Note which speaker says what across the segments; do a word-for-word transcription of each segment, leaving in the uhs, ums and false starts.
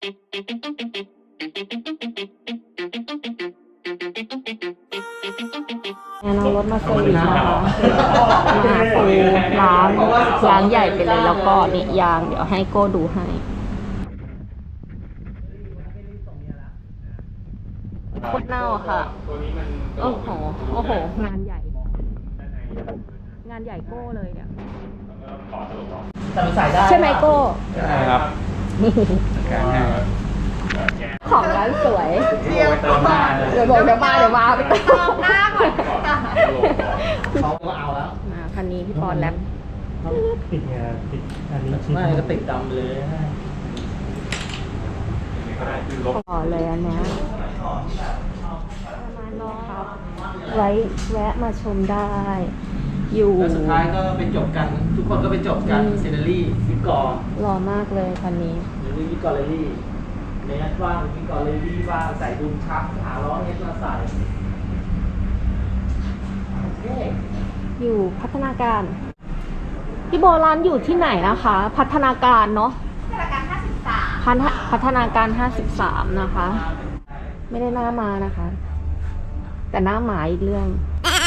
Speaker 1: เอารถมาเซอร์วิสนะคะมาปูล้างล้างใหญ่ไปเลยแล้วก็นี่ยางเดี๋ยวให้โก้ดูให้โคตรเน่าค่ะโอ้โหโอ้โหงานใหญ่งานใหญ่โก้เลยเนี่ยใช่ไหมโก้
Speaker 2: ใช่ครับ
Speaker 1: ของร้านสวย
Speaker 2: เดี๋ยวเติมหน้าเลย
Speaker 1: เดี๋ยวบอกเดี๋ยวมาเดี๋ยวมาไปเติมหน้าก่อน
Speaker 2: เขาก็เอาแล้ว
Speaker 1: มาคันนี้พี่ปอนแลบ
Speaker 3: ติดไงติดอันนี้ชิ้น
Speaker 2: ไม่ก็ติดดำเลย
Speaker 1: ขอเลยอันเนี้ยประมาณนี้ครับไว้แวะมาชมได้อยู่
Speaker 2: แล้วสุดท้ายก็ไปจบกันทุกคนก็ไปจบกันเซนเนอรี่วิกอร์
Speaker 1: หล่อมากเลยคันนี้
Speaker 2: หรือวิกอร์เลรี่เนสว่างวิกอร์เลรี่ว่างใส่ดุมชักหาล้อเนสมาใส่โอเค
Speaker 1: อยู่พัฒนาการพี่โบร้านอยู่ที่ไหนนะคะ พัฒนาการเนาะพัฒนาการห้าสิบสามพัฒนาการห้าสิบสามนะคะ ไม่ได้หน้ามานะคะ แต่หน้าหมาอีกเรื่อง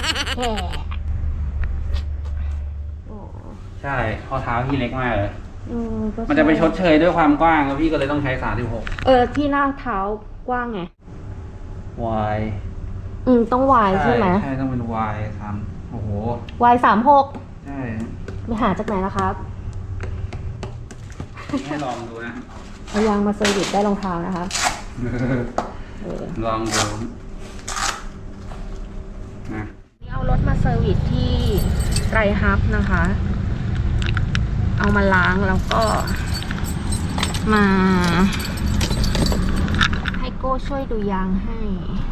Speaker 2: ใช่ข้อเท้าพี่เล็กมากเลยมันจะไปชดเชยด้วยความกว้างแล้วพี่ก็เลยต้องใช้สามสิบหก
Speaker 1: เออที่หน้าเท้ากว้างไง
Speaker 2: Y
Speaker 1: อืมต้อง Y ใช่ไหม
Speaker 2: ใช่ต้องเป็น Y สามโอ้โห
Speaker 1: Y สามหก
Speaker 2: ใช่
Speaker 1: ไปหาจากไหนล่ะครับ
Speaker 2: ให้ลองดูนะ
Speaker 1: เอายางมาเซอร์วิสได้รองเท้านะคะ
Speaker 2: ลองดูนะ
Speaker 1: นี่เอารถมาเซอร์วิสที่ไรฮับนะคะเอามาล้างแล้วก็มาให้โก้ช่วยดูยางให้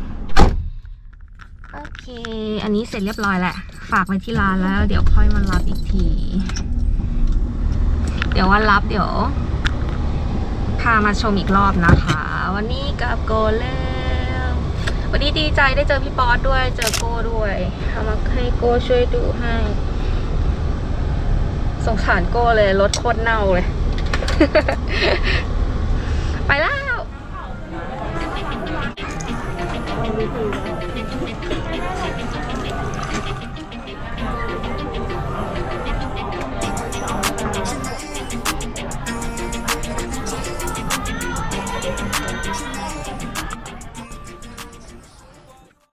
Speaker 1: โอเคอันนี้เสร็จเรียบร้อยแหละฝากไว้ที่ร้านแล้วเดี๋ยวค่อยมารับอีกทีเดี๋ยววันรับเดี๋ยวพามาชมอีกรอบนะคะวันนี้กับโก้แล้ววันนี้ดีใจได้เจอพี่ป๊อตด้วยเจอโก้ด้วยเอามาให้โก้ช่วยดูให้สงสารโก้เลยรถโคตรเน่าเลย ไปแล้ว